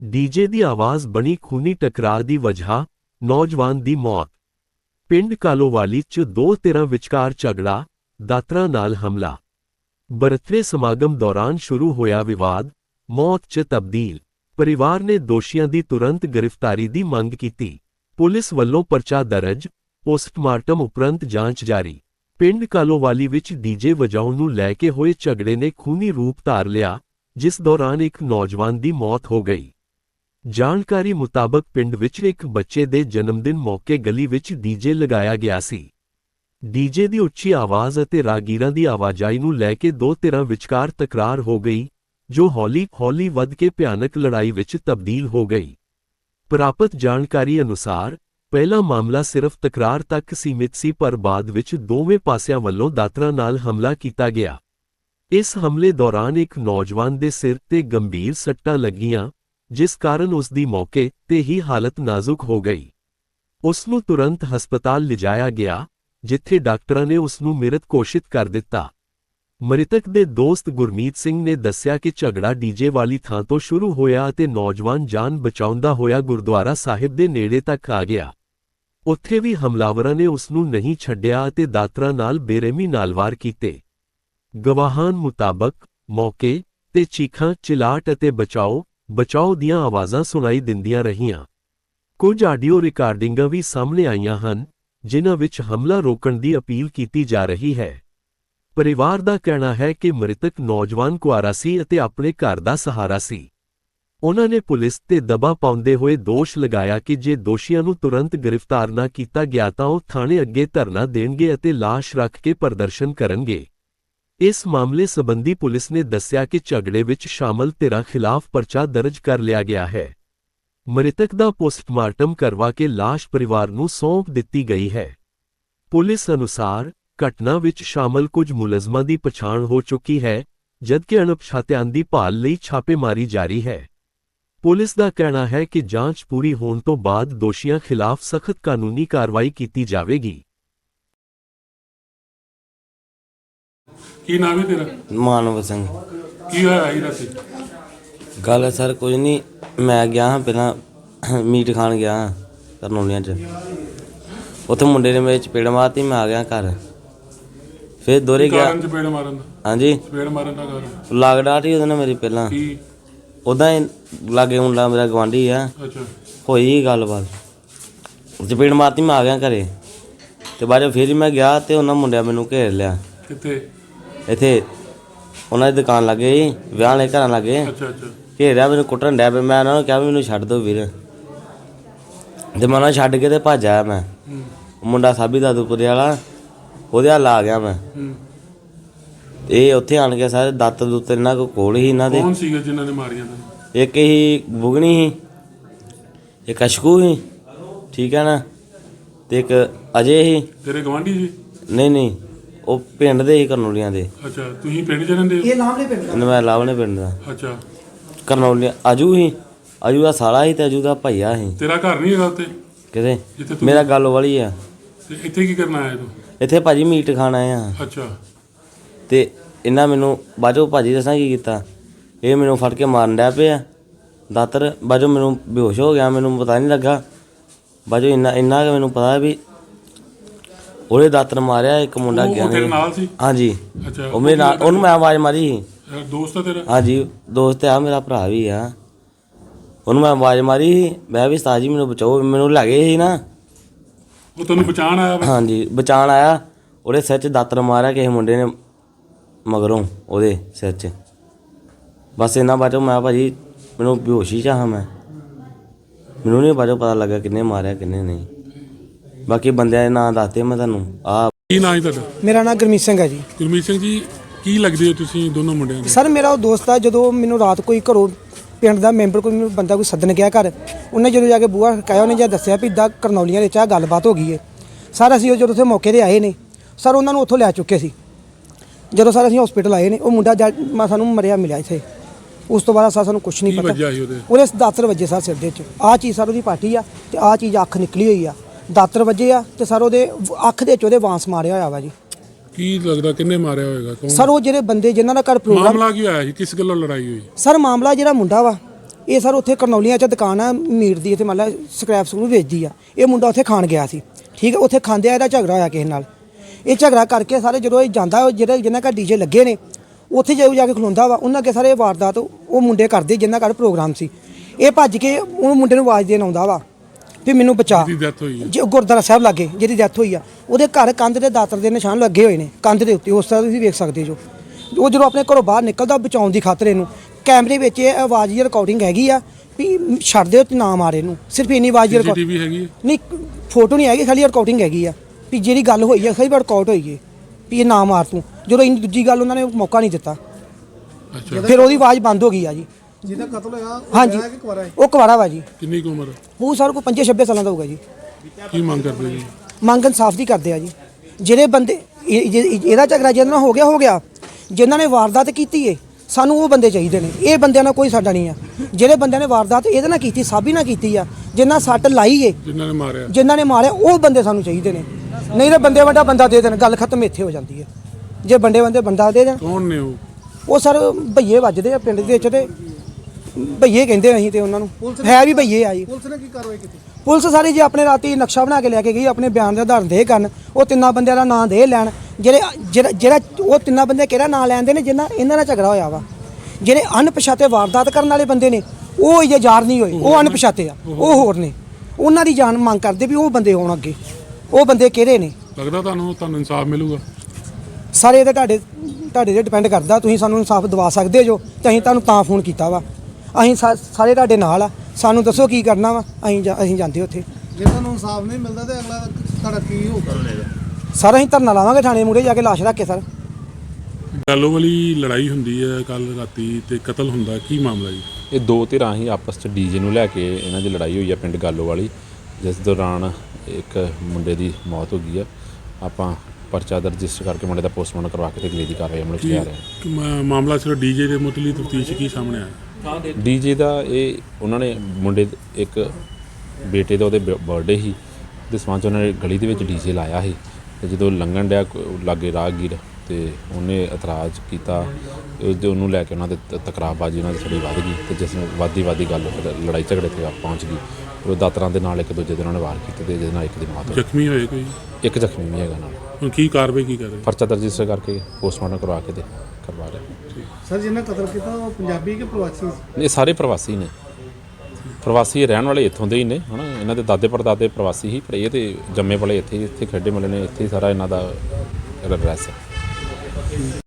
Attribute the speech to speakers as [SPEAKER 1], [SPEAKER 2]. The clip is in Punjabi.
[SPEAKER 1] ਡੀਜੇ ਦੀ ਆਵਾਜ਼ ਬਣੀ ਖੂਨੀ ਟਕਰਾਅ ਦੀ ਵਜ੍ਹਾ, ਨੌਜਵਾਨ ਦੀ ਮੌਤ। ਪਿੰਡ ਕਾਲੋਵਾਲੀ 'ਚ ਦੋ ਧਿਰਾਂ ਵਿਚਕਾਰ ਝਗੜਾ, ਦਾਤਰਾਂ ਨਾਲ ਹਮਲਾ। ਬਰਤਵੇਂ ਸਮਾਗਮ ਦੌਰਾਨ ਸ਼ੁਰੂ ਹੋਇਆ ਵਿਵਾਦ, ਮੌਤ 'ਚ ਤਬਦੀਲ। ਪਰਿਵਾਰ ਨੇ ਦੋਸ਼ੀਆਂ ਦੀ ਤੁਰੰਤ ਗ੍ਰਿਫਤਾਰੀ ਦੀ ਮੰਗ ਕੀਤੀ। ਪੁਲਿਸ ਵੱਲੋਂ ਪਰਚਾ ਦਰਜ, ਪੋਸਟਮਾਰਟਮ ਉਪਰੰਤ ਜਾਂਚ ਜਾਰੀ। ਪਿੰਡ ਕਾਲੋਵਾਲੀ ਵਿੱਚ ਡੀਜੇ ਵਜਾਉਣ ਨੂੰ ਲੈ ਕੇ ਹੋਏ ਝਗੜੇ ਨੇ ਖੂਨੀ ਰੂਪ ਧਾਰ ਲਿਆ, ਜਿਸ ਦੌਰਾਨ ਇੱਕ ਨੌਜਵਾਨ ਦੀ ਮੌਤ ਹੋ ਗਈ। ਜਾਣਕਾਰੀ ਮੁਤਾਬਕ ਪਿੰਡ ਵਿੱਚ ਇੱਕ ਬੱਚੇ ਦੇ ਜਨਮਦਿਨ ਮੌਕੇ ਗਲੀ ਵਿੱਚ ਡੀਜੇ ਲਗਾਇਆ ਗਿਆ ਸੀ। ਡੀਜੇ ਦੀ ਉੱਚੀ ਆਵਾਜ਼ ਅਤੇ ਰਾਗੀਰਾਂ ਦੀ ਆਵਾਜਾਈ ਨੂੰ ਲੈ ਕੇ ਦੋ ਧਿਰਾਂ ਵਿਚਕਾਰ ਤਕਰਾਰ ਹੋ ਗਈ, ਜੋ ਹੌਲੀ-ਹੌਲੀ ਵੱਧ ਕੇ ਭਿਆਨਕ ਲੜਾਈ ਵਿੱਚ ਤਬਦੀਲ ਹੋ ਗਈ। ਪ੍ਰਾਪਤ ਜਾਣਕਾਰੀ ਅਨੁਸਾਰ ਪਹਿਲਾ ਮਾਮਲਾ ਸਿਰਫ ਤਕਰਾਰ ਤੱਕ ਸੀਮਿਤ ਸੀ, ਪਰ ਬਾਅਦ ਵਿੱਚ ਦੋਵੇਂ ਪਾਸਿਆਂ ਵੱਲੋਂ ਦਾਤਰਾਂ ਨਾਲ ਹਮਲਾ ਕੀਤਾ ਗਿਆ। ਇਸ ਹਮਲੇ ਦੌਰਾਨ ਇੱਕ ਨੌਜਵਾਨ ਦੇ ਸਿਰ ਤੇ ਗੰਭੀਰ ਸੱਟਾਂ ਲੱਗੀਆਂ, ਜਿਸ ਕਾਰਨ ਉਸ ਦੀ ਮੌਕੇ ਤੇ ਹੀ ਹਾਲਤ ਨਾਜ਼ੁਕ ਹੋ ਗਈ। ਉਸ ਨੂੰ ਤੁਰੰਤ ਹਸਪਤਾਲ ਲਿਜਾਇਆ ਗਿਆ, ਜਿੱਥੇ ਡਾਕਟਰਾਂ ਨੇ ਉਸ ਨੂੰ ਮ੍ਰਿਤ ਘੋਸ਼ਿਤ ਕਰ ਦਿੱਤਾ। ਮ੍ਰਿਤਕ ਦੇ ਦੋਸਤ ਗੁਰਮੀਤ ਸਿੰਘ ਨੇ ਦੱਸਿਆ ਕਿ ਝਗੜਾ ਡੀਜੇ ਵਾਲੀ ਥਾਂ ਤੋਂ ਸ਼ੁਰੂ ਹੋਇਆ ਅਤੇ ਨੌਜਵਾਨ ਜਾਨ ਬਚਾਉਂਦਾ ਹੋਇਆ ਗੁਰਦੁਆਰਾ ਸਾਹਿਬ ਦੇ ਨੇੜੇ ਤੱਕ ਆ ਗਿਆ। ਉੱਥੇ ਵੀ ਹਮਲਾਵਰਾਂ ਨੇ ਉਸ ਨੂੰ ਨਹੀਂ ਛੱਡਿਆ ਅਤੇ ਦਾਤਰਾਂ ਨਾਲ ਬੇਰਹਿਮੀ ਨਾਲ ਵਾਰ ਕੀਤੇ। ਗਵਾਹਾਂ ਮੁਤਾਬਕ ਮੌਕੇ ਤੇ ਚੀਖਾਂ, ਚਿਲਾਟ ਅਤੇ ਬਚਾਓ ਦੀਆਂ ਆਵਾਜ਼ਾਂ ਸੁਣਾਈ ਦਿੰਦੀਆਂ ਰਹੀਆਂ। ਕੁਝ ਆਡੀਓ ਰਿਕਾਰਡਿੰਗਾਂ ਵੀ ਸਾਹਮਣੇ ਆਈਆਂ ਹਨ, ਜਿਨ੍ਹਾਂ ਵਿੱਚ ਹਮਲਾ ਰੋਕਣ ਦੀ ਅਪੀਲ ਕੀਤੀ ਜਾ ਰਹੀ ਹੈ। ਪਰਿਵਾਰ ਦਾ ਕਹਿਣਾ ਹੈ ਕਿ ਮ੍ਰਿਤਕ ਨੌਜਵਾਨ ਕੁਆਰਾ ਸੀ ਅਤੇ ਆਪਣੇ ਘਰ ਦਾ ਸਹਾਰਾ ਸੀ। ਉਨ੍ਹਾਂ ਨੇ ਪੁਲਿਸ ਤੇ ਦਬਾਅ ਪਾਉਂਦੇ ਹੋਏ ਦੋਸ਼ ਲਗਾਇਆ ਕਿ ਜੇ ਦੋਸ਼ੀਆਂ ਨੂੰ ਤੁਰੰਤ ਗ੍ਰਿਫਤਾਰ ਨਾ ਕੀਤਾ ਗਿਆ ਤਾਂ ਉਹ ਥਾਣੇ ਅੱਗੇ ਧਰਨਾ ਦੇਣਗੇ ਅਤੇ ਲਾਸ਼ ਰੱਖ ਕੇ ਪ੍ਰਦਰਸ਼ਨ ਕਰਨਗੇ। ਇਸ ਮਾਮਲੇ ਸੰਬੰਧੀ ਪੁਲਿਸ ਨੇ ਦੱਸਿਆ ਕਿ ਝਗੜੇ ਵਿੱਚ ਸ਼ਾਮਲ ਧਿਰਾਂ ਖਿਲਾਫ ਪਰਚਾ ਦਰਜ ਕਰ ਲਿਆ ਗਿਆ ਹੈ। ਮ੍ਰਿਤਕ ਦਾ ਪੋਸਟਮਾਰਟਮ ਕਰਵਾ ਕੇ ਲਾਸ਼ ਪਰਿਵਾਰ ਨੂੰ ਸੌਂਪ ਦਿੱਤੀ ਗਈ ਹੈ। ਪੁਲਿਸ ਅਨੁਸਾਰ ਘਟਨਾ ਵਿੱਚ ਸ਼ਾਮਲ ਕੁਝ ਮੁਲਜ਼ਮਾਂ ਦੀ ਪਛਾਣ ਹੋ ਚੁੱਕੀ ਹੈ, ਜਦਕਿ ਅਣਪਛਾਤਿਆਂ ਦੀ ਭਾਲ ਲਈ ਛਾਪੇਮਾਰੀ ਜਾਰੀ ਹੈ। ਪੁਲਿਸ ਦਾ ਕਹਿਣਾ ਹੈ ਕਿ ਜਾਂਚ ਪੂਰੀ ਹੋਣ ਤੋਂ ਬਾਅਦ ਦੋਸ਼ੀਆਂ ਖਿਲਾਫ ਸਖਤ ਕਾਨੂੰਨੀ ਕਾਰਵਾਈ ਕੀਤੀ ਜਾਵੇਗੀ।
[SPEAKER 2] ਕੀ ਨਾਮ ਹੈ ਤੇਰਾ?
[SPEAKER 3] ਮਾਨਵ ਸਿੰਘ।
[SPEAKER 2] ਕੀ ਹੋਇਆ ਇਹ ਰਾਤੀ?
[SPEAKER 3] ਗੱਲ ਸਰ ਕੁਝ ਨਹੀਂ, ਮੈਂ ਗਿਆ ਹਾਂ ਪਹਿਲਾਂ ਮੀਟ ਖਾਣ ਗਿਆ ਹਾਂ ਕਰਨੌਲੀਆਂ 'ਚ। ਉੱਥੇ ਮੁੰਡੇ ਨੇ ਮੇਰੇ ਚਪੇੜ ਮਾਰਤੀ, ਮੈਂ ਆ ਗਿਆ ਘਰ। ਫਿਰ ਦੋਰੇ ਗਿਆ।
[SPEAKER 2] ਚਪੇੜ ਮਾਰਨ ਦਾ?
[SPEAKER 3] ਹਾਂਜੀ,
[SPEAKER 2] ਚਪੇੜ ਮਾਰਨ ਦਾ ਕਾਰਨ
[SPEAKER 3] ਲਾਗਡਾਟ ਹੀ ਉਹਦੇ ਨਾਲ ਮੇਰੀ ਪਹਿਲਾਂ।
[SPEAKER 2] ਕੀ?
[SPEAKER 3] ਉੱਦਾਂ ਹੀ ਲਾਗੇ ਮੁੰਡਾ ਮੇਰਾ ਗਵਾਂਢੀ ਆ।
[SPEAKER 2] ਅੱਛਾ।
[SPEAKER 3] ਹੋਈ ਗੱਲਬਾਤ, ਚਪੇੜ ਮਾਰਤੀ, ਮੈਂ ਆ ਗਿਆ ਘਰੇ। ਤੇ ਬਾਅਦ ਚੋਂ ਫਿਰ ਮੈਂ ਗਿਆ ਤੇ ਉਹਨਾਂ ਮੁੰਡਿਆਂ ਮੈਨੂੰ ਘੇਰ ਲਿਆ।
[SPEAKER 2] ਕਿੱਥੇ?
[SPEAKER 3] ਇੱਥੇ ਉਹਨਾਂ ਦੀ ਦੁਕਾਨ ਲੱਗੇ ਸੀ, ਵਿਆਹ ਵਾਲੇ ਘਰਾਂ ਲੱਗੇ।
[SPEAKER 2] ਅੱਛਾ ਅੱਛਾ।
[SPEAKER 3] ਘੇਰਿਆ, ਮੈਨੂੰ ਕੁੱਟਣ ਡਿਆ ਪਿਆ। ਮੈਂ ਉਹਨਾਂ ਨੂੰ ਕਿਹਾ ਵੀ ਮੈਨੂੰ ਛੱਡ ਦਿਓ ਵੀਰ, ਤੇ ਮੈਂ ਉਹਨਾਂ ਛੱਡ ਕੇ ਤੇ ਭੱਜ ਆਇਆ। ਮੈਂ ਮੁੰਡਾ ਸਾਬੀ ਦਾਦੂਪੁਰੇ ਵਾਲਾ, ਉਹਦੇ ਹੱਲ ਆ ਗਿਆ ਮੈਂ। ਇਹ ਉੱਥੇ ਆਣ ਕੇ ਸਾਰੇ ਦਾਤਰ ਦੁੱਤਰ ਇਹਨਾਂ ਕੋਲ ਹੀ ਇਹਨਾਂ ਦੇ।
[SPEAKER 2] ਕੌਣ ਸੀਗਾ ਜਿਨ੍ਹਾਂ ਨੇ ਮਾਰੀਆਂ ਤੈਨੂੰ?
[SPEAKER 3] ਇੱਕ ਹੀ ਬੁਗਣੀ ਸੀ, ਇੱਕ ਅਸ਼ਕੂ ਸੀ, ਠੀਕ ਹੈ ਨਾ, ਤੇ ਇੱਕ ਅਜੇ ਸੀ।
[SPEAKER 2] ਤੇਰੇ ਗਵਾਂਢੀ ਸੀ?
[SPEAKER 3] ਨਹੀਂ, ਉਹ ਪਿੰਡ ਦੇ ਹੀ ਕਰਨੌਲੀਆਂ ਦੇ।
[SPEAKER 2] ਅੱਛਾ, ਤੁਸੀਂ ਪਿੰਡ 'ਚ ਰਹਿੰਦੇ ਹੋ?
[SPEAKER 4] ਇਹ ਲਾਵਲੇ ਪਿੰਡ ਦਾ।
[SPEAKER 3] ਮੈਂ ਲਾਵਲੇ ਪਿੰਡ ਦਾ।
[SPEAKER 2] ਅੱਛਾ।
[SPEAKER 3] ਕਰਨੌਲੀਆਂ ਆਜੂ ਸੀ, ਆਜੂ ਦਾ ਸਾਲਾ ਸੀ ਤੇ ਆਜੂ ਦਾ ਭਈਆ ਸੀ।
[SPEAKER 2] ਤੇਰਾ ਘਰ ਨਹੀਂ ਹੈਗਾ ਉੱਥੇ?
[SPEAKER 3] ਕਿਤੇ ਮੇਰਾ ਗੱਲ ਵਾਲੀ ਆ।
[SPEAKER 2] ਤੇ ਇੱਥੇ ਕੀ ਕਰਨ ਆਇਆ ਤੂੰ?
[SPEAKER 3] ਇੱਥੇ ਭਾਜੀ ਮੀਟ ਖਾਣ ਆਏ ਆ।
[SPEAKER 2] ਅੱਛਾ।
[SPEAKER 3] ਤੇ ਇਹਨਾਂ ਮੈਨੂੰ ਬਾਜੋ ਭਾਜੀ ਦੱਸਾਂ ਕੀ ਕੀਤਾ, ਇਹ ਮੈਨੂੰ ਫੜ ਕੇ ਮਾਰਨ ਡਿਆ ਪਿਆ ਦਾਤਰ। ਬਾਜੋ ਮੈਨੂੰ ਬੇਹੋਸ਼ ਹੋ ਗਿਆ, ਮੈਨੂੰ ਪਤਾ ਨਹੀਂ ਲੱਗਾ। ਬਾਜੋ ਇੰਨਾ ਕਿ ਮੈਨੂੰ ਪਤਾ ਵੀ ਉਹਦੇ ਦਾਤਰ ਮਾਰਿਆ। ਇੱਕ ਮੁੰਡਾ ਗਿਆ।
[SPEAKER 2] ਉਹ ਤੇਰੇ ਨਾਲ ਸੀ?
[SPEAKER 3] ਹਾਂਜੀ।
[SPEAKER 2] ਅੱਛਾ।
[SPEAKER 3] ਉਹ ਮੇਰੇ ਨਾਲ, ਉਹਨੂੰ ਮੈਂ ਆਵਾਜ਼ ਮਾਰੀ ਸੀ।
[SPEAKER 2] ਦੋਸਤ ਆ ਤੇਰਾ?
[SPEAKER 3] ਹਾਂਜੀ, ਦੋਸਤ ਆ, ਮੇਰਾ ਭਰਾ ਵੀ ਆ। ਉਹਨੂੰ ਮੈਂ ਆਵਾਜ਼ ਮਾਰੀ ਸੀ, ਮੈਂ ਵੀ ਉਸਤਾਦ ਜੀ ਮੈਨੂੰ ਬਚਾਓ, ਮੈਨੂੰ ਲੈ ਗਏ ਸੀ ਨਾ।
[SPEAKER 2] ਉਹ ਤੈਨੂੰ ਬਚਾਉਣ ਆਇਆ?
[SPEAKER 3] ਹਾਂਜੀ, ਬਚਾਉਣ ਆਇਆ। ਉਹਦੇ ਸਿਰ 'ਚ ਦਾਤਰ ਮਾਰਿਆ ਕਿਸੇ ਮੁੰਡੇ ਨੇ ਮਗਰੋਂ, ਉਹਦੇ ਸਿਰ 'ਚ। ਬਸ ਇਹਨਾਂ ਬਾਅਦ ਮੈਂ ਭਾਜੀ ਮੈਨੂੰ ਬੇਹੋਸ਼ੀ 'ਚ ਹਾਂ ਮੈਂ, ਮੈਨੂੰ ਨਹੀਂ ਬਾਅਦ ਪਤਾ ਲੱਗਾ ਕਿੰਨੇ ਮਾਰਿਆ ਕਿੰਨੇ ਨਹੀਂ। ਬਾਕੀ ਬੰਦਿਆਂ ਦੇ ਨਾਂ ਦੱਸਦੇ ਮੈਂ ਤੁਹਾਨੂੰ।
[SPEAKER 2] ਕੀ ਨਾਂ ਹੈ ਤੁਹਾਡਾ?
[SPEAKER 4] ਮੇਰਾ ਨਾਮ ਗੁਰਮੀਤ ਸਿੰਘ ਹੈ ਜੀ।
[SPEAKER 2] ਗੁਰਮੀਤ ਸਿੰਘ ਜੀ, ਕੀ ਲੱਗਦੇ ਹੋ ਤੁਸੀਂ ਦੋਨੋਂ ਮੁੰਡਿਆਂ ਦੇ?
[SPEAKER 4] ਸਰ ਮੇਰਾ ਉਹ ਦੋਸਤ ਆ। ਜਦੋਂ ਮੈਨੂੰ ਰਾਤ ਕੋਈ ਘਰੋਂ ਪਿੰਡ ਦਾ ਮੈਂਬਰ ਕੋਈ ਮੈਨੂੰ ਬੰਦਾ ਕੋਈ ਸੱਦਣ ਗਿਆ ਘਰ, ਉਹਨੇ ਜਦੋਂ ਜਾ ਕੇ ਬੂਹਾ ਖੜਕਾਇਆ, ਉਹਨੇ ਜਾਂ ਦੱਸਿਆ ਵੀ ਇੱਦਾਂ ਕਰਨੌਲੀਆਂ ਵਿੱਚ ਆਹ ਗੱਲਬਾਤ ਹੋ ਗਈ ਹੈ। ਸਰ ਅਸੀਂ ਜਦੋਂ ਉੱਥੇ ਮੌਕੇ 'ਤੇ ਆਏ ਨੇ, ਸਰ ਉਹਨਾਂ ਨੂੰ ਉੱਥੋਂ ਲੈ ਚੁੱਕੇ ਸੀ। ਜਦੋਂ ਸਰ ਅਸੀਂ ਹਸਪੀਟਲ ਆਏ ਨੇ, ਉਹ ਮੁੰਡਾ ਸਾਨੂੰ ਮਰਿਆ ਮਿਲਿਆ ਇੱਥੇ। ਉਸ ਤੋਂ ਬਾਅਦ ਸਰ ਸਾਨੂੰ ਕੁਝ ਨਹੀਂ ਪਤਾ। ਉਹਦੇ ਦਾਤਰ ਵੱਜੇ ਸਰ ਸਿਰ ਦੇ ਵਿੱਚ। ਆਹ ਚੀਜ਼ ਸਰ ਉਹਦੀ ਪਾਟੀ ਆ ਤੇ ਆਹ ਚੀਜ਼ ਅੱਖ ਨਿਕਲੀ ਹੋਈ ਆ, ਦਾਤਰ ਵੱਜੇ ਆ ਤੇ ਸਰ ਉਹਦੇ ਅੱਖ ਦੇ ਵਿੱਚ ਉਹਦੇ ਵਾਂਸ ਮਾਰਿਆ ਹੋਇਆ ਵਾ ਜੀ।
[SPEAKER 2] ਕੀ ਲੱਗਦਾ ਕਿੰਨੇ ਮਾਰਿਆ ਹੋਏਗਾ? ਕੌਣ
[SPEAKER 4] ਸਰ ਉਹ ਜਿਹੜੇ ਬੰਦੇ ਜਿਨ੍ਹਾਂ ਦਾ ਘਰ ਪ੍ਰੋਗਰਾਮ
[SPEAKER 2] ਮਾਮਲਾ ਕੀ ਹੋਇਆ ਸੀ? ਕਿਸ ਗੱਲੋਂ ਲੜਾਈ ਹੋਈ?
[SPEAKER 4] ਸਰ ਮਾਮਲਾ ਜਿਹੜਾ ਮੁੰਡਾ ਵਾ ਇਹ ਸਰ ਉੱਥੇ ਕਰਨੌਲੀਆਂ 'ਚ ਦੁਕਾਨ ਆ ਮੀਟ ਦੀ, ਇੱਥੇ ਮਤਲਬ ਸਕ੍ਰੈਪ ਸਕਰੂ ਵੇਚਦੀ ਆ। ਇਹ ਮੁੰਡਾ ਉੱਥੇ ਖਾਣ ਗਿਆ ਸੀ, ਠੀਕ ਹੈ। ਉੱਥੇ ਖਾਂਦਿਆਂ ਇਹਦਾ ਝਗੜਾ ਹੋਇਆ ਕਿਸੇ ਨਾਲ। ਇਹ ਝਗੜਾ ਕਰਕੇ ਸਾਰੇ ਜਦੋਂ ਇਹ ਜਾਂਦਾ, ਜਿਹਨਾਂ ਘਰ ਡੀਜੇ ਲੱਗੇ ਨੇ ਉੱਥੇ ਜਾ ਕੇ ਖਲੋਂਦਾ ਵਾ, ਉਹਨਾਂ ਅੱਗੇ ਸਾਰੇ ਵਾਰਦਾਤ ਉਹ ਮੁੰਡੇ ਕਰਦੇ ਜਿਨ੍ਹਾਂ ਘਰ ਪ੍ਰੋਗਰਾਮ ਸੀ। ਇਹ ਭੱਜ ਕੇ ਉਹ ਮੁੰਡੇ ਨੂੰ ਆਵਾਜ਼ ਦੇਣ ਆਉਂਦਾ ਵਾ ਵੀ ਮੈਨੂੰ ਬਚਾ।
[SPEAKER 2] ਦੀ ਡੈਥ ਹੋਈ ਹੈ।
[SPEAKER 4] ਜੇ ਗੁਰਦੁਆਰਾ ਸਾਹਿਬ ਲਾਗੇ ਜਿਹਦੀ ਡੈਥ ਹੋਈ ਆ, ਉਹਦੇ ਘਰ ਕੰਧ ਦੇ ਦਾਤਰ ਦੇ ਨਿਸ਼ਾਨ ਲੱਗੇ ਹੋਏ ਨੇ ਕੰਧ ਦੇ ਉੱਤੇ, ਉਸ ਤਰ੍ਹਾਂ ਤੁਸੀਂ ਵੇਖ ਸਕਦੇ ਜੋ। ਉਹ ਜਦੋਂ ਆਪਣੇ ਘਰੋਂ ਬਾਹਰ ਨਿਕਲਦਾ ਬਚਾਉਣ ਦੀ ਖਾਤਰ ਇਹਨੂੰ ਕੈਮਰੇ ਵਿੱਚ ਇਹ ਆਵਾਜ਼ ਦੀ ਰਿਕਾਰਡਿੰਗ ਹੈਗੀ ਆ ਵੀ ਛੱਡ ਦਿਓ ਤੇ ਨਾ ਮਾਰੇ ਇਹਨੂੰ, ਸਿਰਫ ਇੰਨੀ ਆਵਾਜ਼ ਦੀ ਰਿਕਾਰਡਿੰਗ
[SPEAKER 2] ਸੀਸੀਟੀਵੀ ਹੈਗੀ ਹੈ?
[SPEAKER 4] ਨਹੀਂ, ਫੋਟੋ ਨਹੀਂ ਹੈਗੀ, ਖਾਲੀ ਰਿਕਾਰਡਿੰਗ ਹੈਗੀ ਆ ਵੀ ਜਿਹੜੀ ਗੱਲ ਹੋਈ ਆ, ਖਾਲੀ ਰਿਕਾਰਡ ਹੋਈ ਹੈ ਵੀ ਇਹ ਨਾ ਮਾਰ ਤੂੰ। ਜਦੋਂ ਇੰਨੀ ਦੂਜੀ ਗੱਲ ਉਹਨਾਂ ਨੇ ਮੌਕਾ ਨਹੀਂ ਦਿੱਤਾ,
[SPEAKER 2] ਅੱਛਾ।
[SPEAKER 4] ਫਿਰ ਉਹਦੀ ਆਵਾਜ਼ ਬੰਦ ਹੋ ਗਈ ਆ ਜੀ।
[SPEAKER 5] ਜਿਹਦਾ ਕਤਲ ਹੋਇਆ
[SPEAKER 4] ਹਾਂਜੀ, ਉਹ ਕੁਵਾਰਾ ਵਾ ਜੀ।
[SPEAKER 2] ਕਿੰਨੀ ਕੁ ਉਮਰ?
[SPEAKER 4] ਉਹ ਸਰ ਕੋਈ 25-26 ਸਾਲਾਂ ਦਾ ਹੋਊਗਾ ਜੀ।
[SPEAKER 2] ਕੀ ਮੰਗ ਕਰਦੇ ਜੀ?
[SPEAKER 4] ਮੰਗ ਇਨਸਾਫ ਦੀ ਕਰਦੇ ਆ ਜੀ। ਜਿਹੜੇ ਬੰਦੇ ਇਹਦਾ ਝਗੜਾ ਜਿਹਦੇ ਨਾਲ ਹੋ ਗਿਆ, ਜਿਨ੍ਹਾਂ ਨੇ ਵਾਰਦਾਤ ਕੀਤੀ ਏ ਸਾਨੂੰ ਉਹ ਬੰਦੇ ਚਾਹੀਦੇ ਨੇ। ਇਹ ਬੰਦਿਆਂ ਨਾਲ ਕੋਈ ਸਾਡਾ ਨਹੀਂ ਆ। ਜਿਹੜੇ ਬੰਦਿਆਂ ਨੇ ਵਾਰਦਾਤ ਇਹਦੇ ਨਾਲ ਕੀਤੀ, ਸਾਬੀ ਨਾਲ ਕੀਤੀ ਆ, ਜਿਨ੍ਹਾਂ ਸੱਟ ਲਾਈ ਏ, ਜਿਨ੍ਹਾਂ ਨੇ ਮਾਰਿਆ, ਉਹ ਬੰਦੇ ਸਾਨੂੰ ਚਾਹੀਦੇ ਨੇ। ਨਹੀਂ ਤਾਂ ਬੰਦੇ ਵੱਡਾ ਬੰਦਾ ਦੇ ਦੇਣ, ਗੱਲ ਖਤਮ ਇੱਥੇ ਹੋ ਜਾਂਦੀ ਹੈ। ਜੇ ਬੰਦੇ ਬੰਦਾ ਦੇ ਦੇਣ।
[SPEAKER 2] ਕੌਣ ਨੇ
[SPEAKER 4] ਉਹ ਸਰ ਭਈਏ ਵੱਜਦੇ ਆ ਪਿੰਡ ਦੇ ਵਿੱਚ, ਤੇ ਭਈਏ ਕਹਿੰਦੇ ਅਸੀਂ ਤੇ ਉਹਨਾਂ ਨੂੰ, ਹੈ ਵੀ ਭਈਏ ਆ ਜੀ।
[SPEAKER 5] ਪੁਲਿਸ ਨੇ ਕੀ ਕਾਰਵਾਈ ਕੀਤੀ?
[SPEAKER 4] ਪੁਲਿਸ ਸਾਰੀ ਜੇ ਆਪਣੇ ਰਾਤੀ ਨਕਸ਼ਾ ਬਣਾ ਕੇ ਲੈ ਕੇ ਗਈ, ਆਪਣੇ ਬਿਆਨ ਦੇ ਆਧਾਰ ਦੇ ਕਰਨ, ਉਹ ਤਿੰਨਾਂ ਬੰਦਿਆਂ ਦਾ ਨਾਂ ਦੇ ਲੈਣ। ਜਿਹੜਾ ਉਹ ਤਿੰਨਾਂ ਬੰਦੇ ਕਿਹੜਾ ਨਾਂ ਲੈਂਦੇ ਨੇ ਜਿਨ੍ਹਾਂ ਇਹਨਾਂ ਨਾਲ ਝਗੜਾ ਹੋਇਆ ਵਾ। ਜਿਹੜੇ ਅਣਪਛਾਤੇ ਵਾਰਦਾਤ ਕਰਨ ਵਾਲੇ ਬੰਦੇ ਨੇ ਉਹ ਇਹ ਯਾਰ ਨਹੀਂ ਹੋਏ, ਉਹ ਅਣਪਛਾਤੇ ਆ, ਉਹ ਹੋਰ ਨੇ। ਉਹਨਾਂ ਦੀ ਜਾਨ ਮੰਗ ਕਰਦੇ ਵੀ ਉਹ ਬੰਦੇ ਹੋਣ ਅੱਗੇ। ਉਹ ਬੰਦੇ ਕਿਹੜੇ ਨੇ?
[SPEAKER 2] ਲੱਗਦਾ ਤੁਹਾਨੂੰ ਇਨਸਾਫ ਮਿਲੂਗਾ?
[SPEAKER 4] ਸਾਰੇ ਇਹਦੇ ਤੁਹਾਡੇ ਤੇ ਡਿਪੈਂਡ ਕਰਦਾ। ਤੁਸੀਂ ਸਾਨੂੰ ਇਨਸਾਫ ਦਿਵਾ ਸਕਦੇ ਜੋ, ਤੇ ਅਸੀਂ ਤੁਹਾਨੂੰ ਤਾਂ ਫੋਨ ਕੀਤਾ ਵਾ। ਅਸੀਂ ਸਾਰੇ ਤੁਹਾਡੇ ਨਾਲ ਆ। ਸਾਨੂੰ ਦੱਸੋ ਕੀ ਕਰਨਾ ਵਾ, ਅਸੀਂ ਜਾਂਦੇ ਉੱਥੇ।
[SPEAKER 5] ਜੇ ਤੁਹਾਨੂੰ ਇਨਸਾਫ ਨਹੀਂ ਮਿਲਦਾ ਤੇ ਅਗਲਾ ਤੁਹਾਡਾ ਕੀ ਹੋਊਗਾ?
[SPEAKER 4] ਸਰ ਅਸੀਂ ਧਰਨਾ ਲਾਵਾਂਗੇ ਥਾਣੇ ਮੂਹਰੇ ਜਾ ਕੇ ਲਾਸ਼ ਰੱਖ ਕੇ ਸਰ।
[SPEAKER 2] ਗਾਲੋ ਵਾਲੀ ਲੜਾਈ ਹੁੰਦੀ ਹੈ ਕੱਲ ਰਾਤੀ ਤੇ ਕਤਲ ਹੁੰਦਾ, ਕੀ ਮਾਮਲਾ ਜੀ?
[SPEAKER 6] ਇਹ ਦੋ ਧਿਰਾਂ ਹੀ ਆਪਸ 'ਚ ਡੀਜੇ ਨੂੰ ਲੈ ਕੇ ਇਹਨਾਂ ਦੀ ਲੜਾਈ ਹੋਈ ਆ ਪਿੰਡ ਗਾਲੋ ਵਾਲੀ, ਜਿਸ ਦੌਰਾਨ ਇੱਕ ਮੁੰਡੇ ਦੀ ਮੌਤ ਹੋ ਗਈ ਆ। ਆਪਾਂ ਪਰਚਾ ਦਰਜ ਰਜਿਸਟਰ ਕਰਕੇ ਮੁੰਡੇ ਦਾ ਪੋਸਟਮਾਰਟਮ ਕਰਵਾ ਕੇ ਤੇ ਅਗਲੇਰੀ ਕਾਰਵਾਈ ਅਮਲ 'ਚ ਲਿਆ ਰਹੇ।
[SPEAKER 2] ਮਾਮਲਾ ਸਿਰਫ ਡੀਜੇ ਦੇ ਮੁਤਲੀ ਤਫਤੀਸ਼ ਕੀ ਸਾਹਮਣੇ ਆਇਆ?
[SPEAKER 6] ਡੀਜੇ ਦਾ ਇਹ ਉਹਨਾਂ ਨੇ ਮੁੰਡੇ ਇੱਕ ਬੇਟੇ ਦਾ ਉਹਦੇ ਬਰਥਡੇ ਸੀ ਦੇ ਸਮਾਂ 'ਚ ਉਹਨਾਂ ਨੇ ਗਲੀ ਦੇ ਵਿੱਚ ਡੀਜੇ ਲਾਇਆ ਸੀ, ਤੇ ਜਦੋਂ ਲੰਘਣ ਡਿਆ ਲਾਗੇ ਰਾਹਗੀਰ ਤੇ ਉਹਨੇ ਇਤਰਾਜ਼ ਕੀਤਾ, ਤੇ ਉਹਨੂੰ ਲੈ ਕੇ ਉਹਨਾਂ ਦੇ ਤਕਰਾਰਬਾਜ਼ੀ ਉਹਨਾਂ ਦੀ ਥੋੜ੍ਹੀ ਵੱਧ ਗਈ, ਤੇ ਜਿਸ ਨੂੰ ਵੱਧਦੀ ਗੱਲ ਫਿਰ ਲੜਾਈ ਝਗੜੇ ਤੇ ਪਹੁੰਚ ਗਈ। ਉਹ ਦਾਤਰਾਂ ਦੇ ਨਾਲ ਇੱਕ ਦੂਜੇ ਦੇ ਉਹਨਾਂ ਨੇ ਵਾਰ ਕੀਤੇ, ਤੇ ਜਿਹਦੇ ਨਾਲ ਇੱਕ ਦੀ ਮੌਤ ਹੋਈ।
[SPEAKER 2] ਜ਼ਖਮੀ ਹੋਏ ਕੋਈ?
[SPEAKER 6] ਇੱਕ ਜ਼ਖਮੀ ਵੀ ਹੈਗਾ ਨਾਲ।
[SPEAKER 2] ਹੁਣ ਕੀ ਕਾਰਵਾਈ ਕੀ ਕਰ ਰਹੇ?
[SPEAKER 6] ਪਰਚਾ ਦਰਜ ਰਜਿਸਟਰ ਕਰਕੇ ਪੋਸਟਮਾਰਟਮ ਕਰਵਾ ਕੇ ਤੇ ਕਰਵਾ ਰਹੇ।
[SPEAKER 5] ਸਰ ਜਿਹਨੇ ਕਤਲ ਕੀਤਾ ਉਹ ਪੰਜਾਬੀ ਕਿ ਪ੍ਰਵਾਸੀ ਸੀ?
[SPEAKER 6] ਇਹ ਸਾਰੇ ਪ੍ਰਵਾਸੀ ਨੇ, ਪ੍ਰਵਾਸੀ ਰਹਿਣ ਵਾਲੇ ਇੱਥੋਂ ਦੇ ਹੀ ਨੇ। ਹੁਣ ਇਹਨਾਂ ਦੇ ਦਾਦੇ ਪੜਦਾਦੇ ਪ੍ਰਵਾਸੀ ਹੀ, ਪਰ ਇਹ ਤੇ ਜੰਮੇ ਪਲੇ ਇੱਥੇ ਖੇਡੇ ਮਲੇ ਨੇ, ਇੱਥੇ ਸਾਰਾ ਇਹਨਾਂ ਦਾ ਐਡਰੈਸ ਹੈ।